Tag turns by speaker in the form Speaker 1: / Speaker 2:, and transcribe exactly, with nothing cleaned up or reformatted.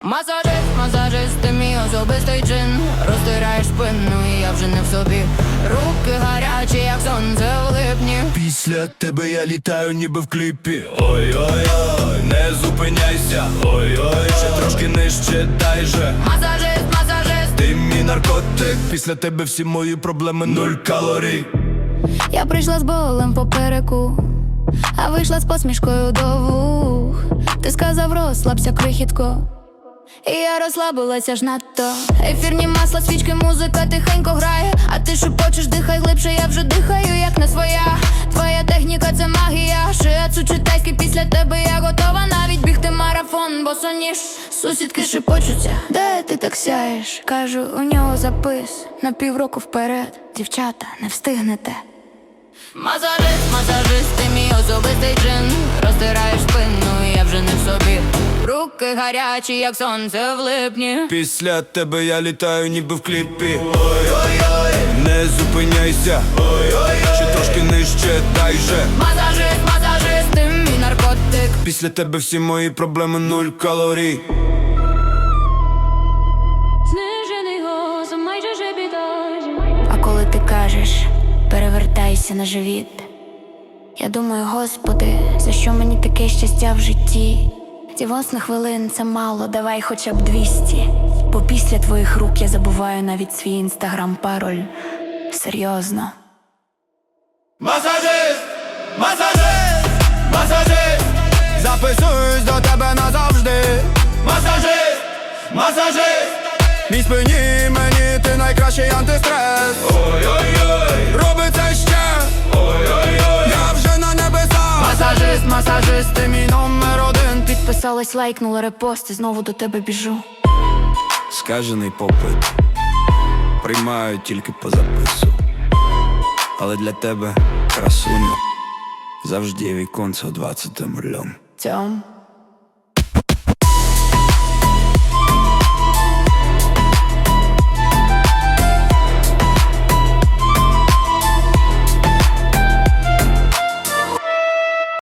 Speaker 1: Масажист, масажист, ти мій особистий джин. Розтираєш спину і я вже не в собі. Руки гарячі, як сонце в липні.
Speaker 2: Після тебе я літаю, ніби в кліпі. Ой-ой-ой, не зупиняйся. Ой-ой, ще трошки нижче, дай же.
Speaker 1: Масажист, масажист,
Speaker 2: Ти мій наркотик. Після тебе всі мої проблеми нуль калорій.
Speaker 1: я прийшла з болем попереку, а вийшла з посмішкою до вух. Ти сказав, розслабся, крихітко, і я розслабилася ж надто. Ефірні масла, свічки, музика тихенько грає, а ти шепочеш, дихай глибше, я вже дихаю, як не своя. Твоя техніка — це магія, шиацу чи тайський, після тебе я готова навіть бігти марафон, босоніж. Сусідки шепочуться, де ти так сяєш? Кажу, у нього запис на півроку вперед. Дівчата, не встигнете. Масажист, масажист, ти мій особистий джин. Розтираєш спину і я вже не в собі. Руки гарячі, як сонце в липні.
Speaker 2: Після тебе я літаю, ніби в кліпі. Ой-ой-ой, не зупиняйся. Ой-ой-ой, ще трошки нижче, дай же.
Speaker 1: Масажист, масажист, ти мій наркотик.
Speaker 2: Після тебе всі мої проблеми нуль калорій.
Speaker 1: Знижений голос, майже жебітаж. А коли ти кажеш, перевертайся на живіт, я думаю, Господи, за що мені таке щастя в житті? Ці восьми хвилин — це мало, давай хоча б двісті. Бо після твоїх рук я забуваю навіть свій інстаграм-пароль. Серйозно.
Speaker 2: Масажист, масажист, масажист, записуюсь до тебе назавжди. Масажист, масажист, мій спині, мені ти найкращий антистрес. Ой-ой-ой, роби це ще. Ой-ой-ой, я вже на небесах.
Speaker 1: Масажист, масажист, ти мій номер один. Підписалась, лайкнула, репост і знову до тебе біжу.
Speaker 2: Скажений попит приймаю тільки по запису, але для тебе, красуню, завжди віконце двадцятим рулем.
Speaker 1: Тьом.